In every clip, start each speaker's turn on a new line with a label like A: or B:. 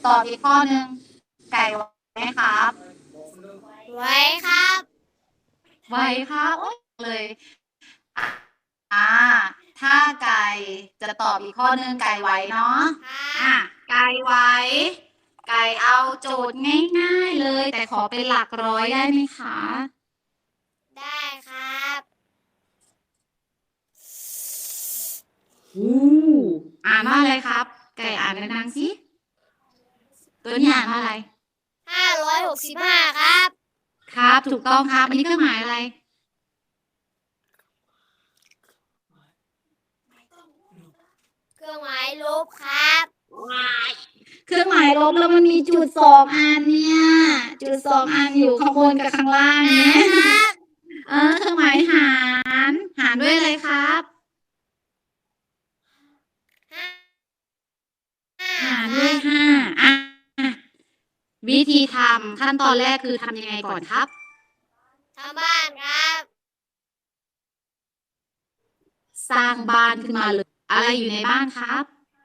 A: ตอบอีกข้อหนึ่งไก่ไว้ไหมครับ
B: ไว้ครับ
A: ไว้ครับโอ๊ยเลยอ่าถ้าไก่จะตอบอีกข้อหนึ่งไก่ไว้เนาะไก่ไว้ไก่เอาโจทย์ง่ายๆเลย แต่ขอเป็นหลักร้อยได้ไหมคะ
B: ได้ครับ
A: อ่านว่าอะไรครับ ไก่อ่านดังๆสิตัวนี้อ่านว่าอะไร
B: 565ครับ
A: ครับ ถูกต้องครับ อันนี้เครื่องหมายอะไร
B: เครื่องหมายลบครับ
A: เครื่องหมายลบแล้วมันมีจุดสองอันเนี่ย จุดสองอันอยู่ข้างบนกับข้างล่างเนี่ยเครื่องหมายหารด้วยอะไรครับ หารด้วยห้าวิธีทำขั้นตอนแรกคือทำยังไงก่อนครับ
B: ทำบ้านครับ
A: สร้างบ้านขึ้นมาเลย อะไรอยู่ในบ้านครับ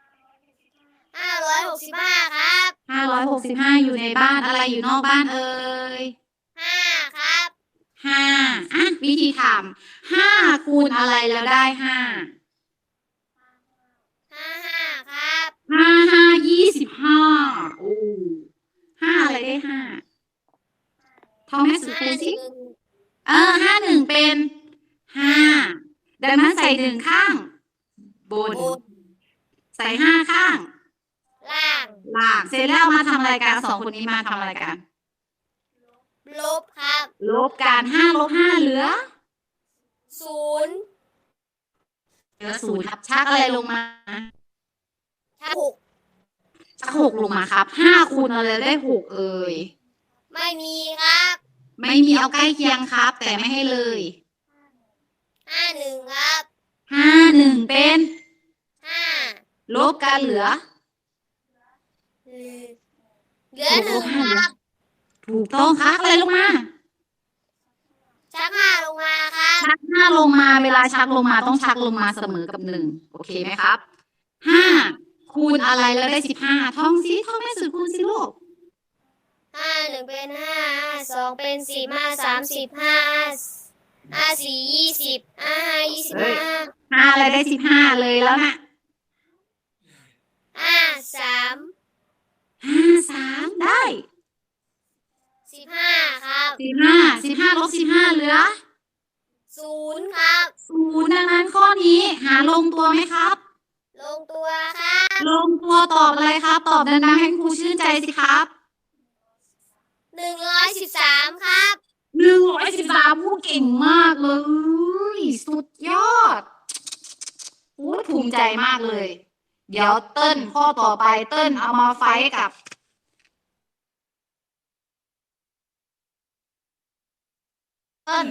B: 565ครับ
A: 565อยู่ในบ้านอะไรอยู่นอกบ้านเอ่ย
B: 5ครับ
A: วิธีทำ5คูณอะไรแล้วได้5
B: 55ครับ
A: 25โอ้5อะไรได้5ท่องแม่สุดคูณสิ51เป็น5ดังนั้นใส่1ข้างบนใส่5ข้าง
B: ล่าง
A: เสร็จแล้วมาทำอะไรกัน2คนนี้มาทำอะไรกัน
B: ลบครับ
A: ลบกัน5ลบ5เหลือ
B: 0
A: 0ครับชักอะไรลงมา
B: ถ้า
A: ชัก6ลงมาครับ5คูณอะไรได้6เอ่ย
B: ไม่มีครับ
A: ไม่มีเอาใกล้เคียงครับ แต่ไม่ให้เลย
B: 51ครับ
A: 51เป็น
B: 5
A: ลบกันเหลือ
B: เหลือ1ครับ
A: ถูกต้องครับอะไรลงมา
B: ชัก5ลงมาครับ
A: ชัก5ลงมาเวลาชักลงมาต้องชักลงมาเสมอกับ1โอเคไหมครับ5คูณอะไรแล้วได้15ท่องสิท่องแม่สูตรคูณสิลูก
B: 1เป็น5 2เป็น10 5 30 5 4 20 5 25
A: 5อะไรได้15เลยแล้วนะ53ได้
B: 15ครับ
A: 15ลบ15เหลือ
B: 0ครับ
A: 0ดังนั้นข้อนี้หาลงตัวไหมครับ
B: ลงตัวครับ
A: ลงตัวตอบอะไรครับ ตอบดังๆให้ครูชื่นใจสิครับ
B: 113ครับ
A: 113ผู้เก่งมากเลยสุดยอดภูมิใจมากเลย เดี๋ยวเติ้ลข้อต่อไปเติ้ลเอามาไฟท์กับเติ้ล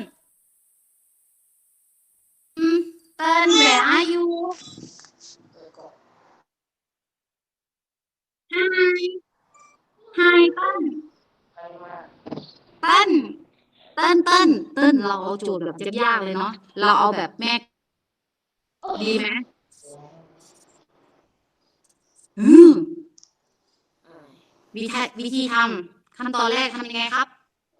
A: where are you Hi เติ้ลเราเอาโจทย์แบบยากๆเลยเนาะเราเอาแบบแม่ดีไหมวิธีทำขั้นตอนแรกทำยังไงครับ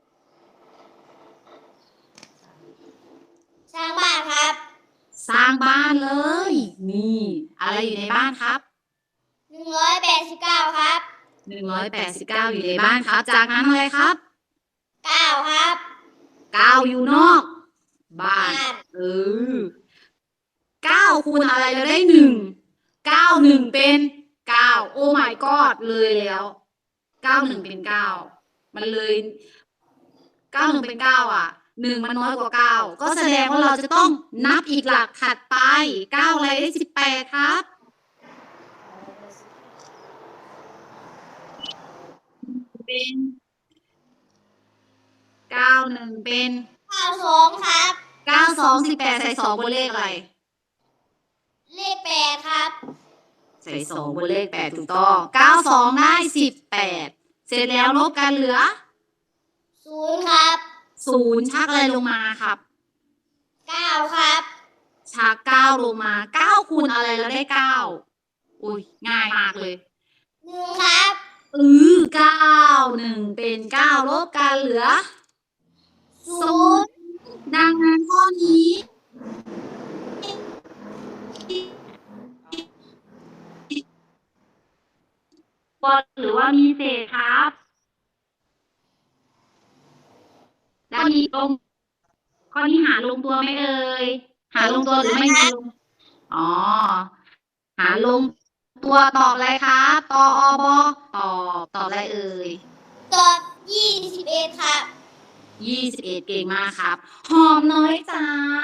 B: สร้างบ้านครับ
A: สร้างบ้านเลย นี่ อะไรอยู่ในบ้านครับ
B: 189ครับ
A: 189อยู่ในบ้านครับ จากนั้นอะไรครับ
B: 9ครับ
A: 9อยู่นอกบ้าน9คูณอะไรแล้วได้1 9 1เป็น9โอ้ my god เลยแล้ว9 1เป็น9มันเลย9 1เป็น9อ่ะ1มันน้อยกว่า9ก็แสดงว่าเราจะต้องนับอีกหลักถัดไป9อะไรได้18ครับเป็น91เป็น
B: 92ครับ
A: 92 18ใส่2บนเลขอะไร
B: เลข8ครับ
A: ใส่2บนเลข8ถูกต้อง92ได้18เสร็จแล้วลบกันเหลือ
B: 0ครับ
A: 0ชักอะไรลงมาครับ
B: 9ครับ
A: ชัก9ลงมา9คูณอะไรแล้วได้9อุ้ยง่ายมากเลย
B: 1ครับ
A: 1เป็น9ลบกันเหลือ
B: 0
A: ดังนั้นข้อนี้บนหรือว่ามีเศษครับแล้วมีลงข้อนี้หาลงตัวไหมเอ่ยหาลงตัวหรือไม่มีลงอ๋อหาลงตัวตอบอะไรครับตอบตอบอะไรเอ่ย
B: ตอบ21ครับ
A: 21เก่งมากครับ หอมน้อยจ๋า